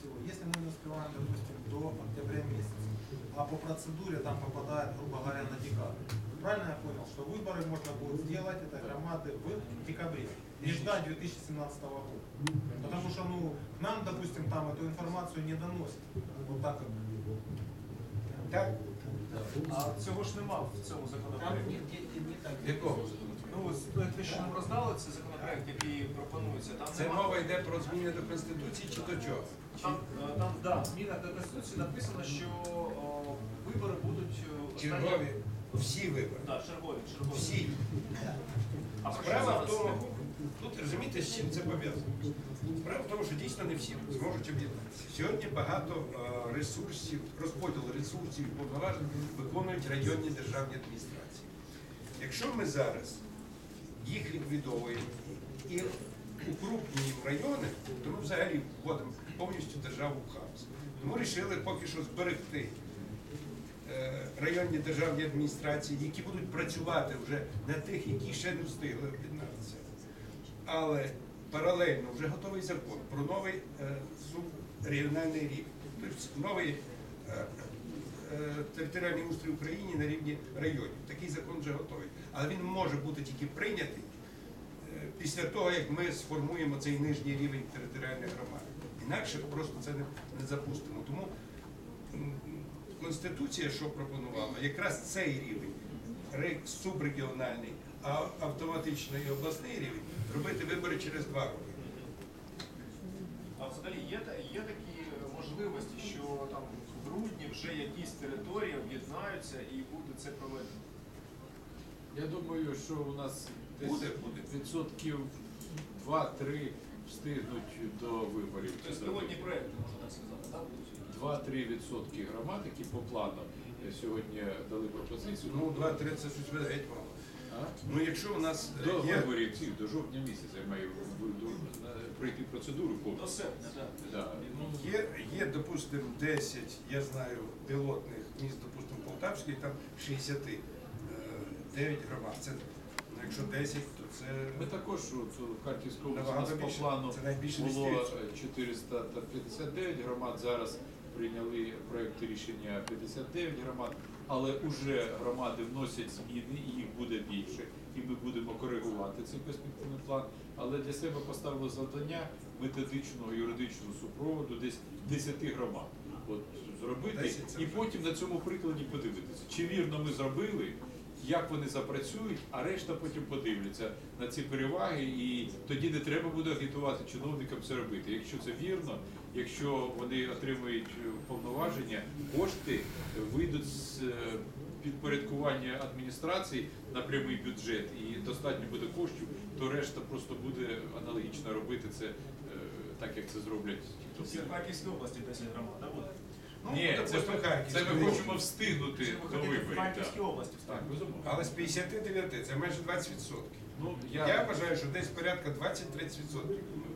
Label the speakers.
Speaker 1: всего, если мы не успеваем, допустим, до октября месяца, а по процедуре там попадает, грубо говоря, на декабрь. Правильно я понял, что выборы можно будет сделать этой громады в декабре, не ждать 2017 года. Потому что, ну, к нам, допустим, там эту информацию не доносят. Вот так вот.
Speaker 2: Так?
Speaker 3: А цього ж нема в цьому законопроекті.
Speaker 2: Якого?
Speaker 3: Ну, те, що нам роздали, це законопроект, який пропонується. Там
Speaker 2: Це
Speaker 3: нема-
Speaker 2: мова йде про зміни до Конституції чи до чого?
Speaker 3: Там, да, в змінах до Конституції написано, що вибори будуть останні-
Speaker 2: Чергові, всі вибори.
Speaker 3: Да, чергові.
Speaker 2: Всі.
Speaker 3: А про що
Speaker 2: Справа в
Speaker 3: зараз
Speaker 2: тому,
Speaker 3: йде?
Speaker 2: тут розумієте, з чим це пов'язано. Справа в тому, що дійсно не всі зможуть об'єднатися. Сьогодні багато ресурсів, розподіл ресурсів і повноважень виконують районні державні адміністрації. Якщо ми зараз їх ліквідовуємо і укрупнюємо райони, то ми взагалі вводимо повністю державу в хаос. Тому вирішили поки що зберегти районні державні адміністрації, які будуть працювати вже на тих, які ще не встигли об'єднатися. Але паралельно вже готовий закон про новий субрегіональний рівень, тобто новий територіальний устрій України на рівні районів. Такий закон вже готовий. Але він може бути тільки прийнятий після того, як ми сформуємо цей нижній рівень територіальних громад. Інакше просто це не запустимо. Тому Конституція, що пропонувала, якраз цей рівень, субрегіональний, а автоматично і обласний рівень, робити вибори через 2 роки.
Speaker 3: А взагалі є такі можливості, що там в грудні вже якісь території об'єднаються і буде це проведено?
Speaker 4: Я думаю, що у нас десь
Speaker 2: Буде.
Speaker 4: відсотків 2-3 встигнуть до виборів.
Speaker 3: Тобто пілотні проєкти, можна так сказати, так?
Speaker 4: 2-3% громад, які по плану сьогодні дали пропозицію.
Speaker 2: Ну, 2-3 це щось геть мало.
Speaker 4: А?
Speaker 2: Ну, якщо у нас
Speaker 4: До
Speaker 2: є...
Speaker 4: виборів цих, до жовтня місяця я маю пройти процедуру
Speaker 3: До
Speaker 4: повністю.
Speaker 3: серпня, так.
Speaker 4: Да.
Speaker 2: Є, допустимо, 10, я знаю, пілотних міст, допустимо, Полтавський, там 69 громад. Це, ну, якщо 10, то це...
Speaker 4: Ми також у Харківській області у нас
Speaker 2: Набагато
Speaker 4: по
Speaker 2: більше.
Speaker 4: плану
Speaker 2: Це найбільше
Speaker 4: було
Speaker 2: 10%.
Speaker 4: 459 громад, зараз прийняли проєкт рішення 59 громад, але вже громади вносять зміни і їх буде більше, і ми будемо коригувати цей перспективний план. Але для себе поставили завдання методичного, юридичного супроводу десь 10 громад. От зробити
Speaker 2: 10 це
Speaker 4: і
Speaker 2: вже.
Speaker 4: потім на цьому прикладі подивитися, чи вірно ми зробили, як вони запрацюють, а решта потім подивляться на ці переваги, і тоді не треба буде агітувати чиновникам це робити. Якщо це вірно, якщо вони отримують повноваження, кошти вийдуть з підпорядкування адміністрації на прямий бюджет і достатньо буде коштів, то решта просто буде аналогічно робити це так, як це зроблять ті,
Speaker 3: Всі
Speaker 4: хто
Speaker 3: в Харківській області 10 громад, так буде?
Speaker 2: Ну,
Speaker 4: Ні, це
Speaker 2: допустимо, Харківський.
Speaker 4: ми хочемо встигнути
Speaker 3: Чи ви
Speaker 4: до
Speaker 3: хочете в
Speaker 4: виборів.
Speaker 3: Харківській
Speaker 4: так.
Speaker 3: області
Speaker 4: Так,
Speaker 3: вставити?
Speaker 4: безумовно.
Speaker 2: Але з 59 це майже 20%.
Speaker 4: Ну,
Speaker 2: Я вважаю, що десь порядка 20-30% ми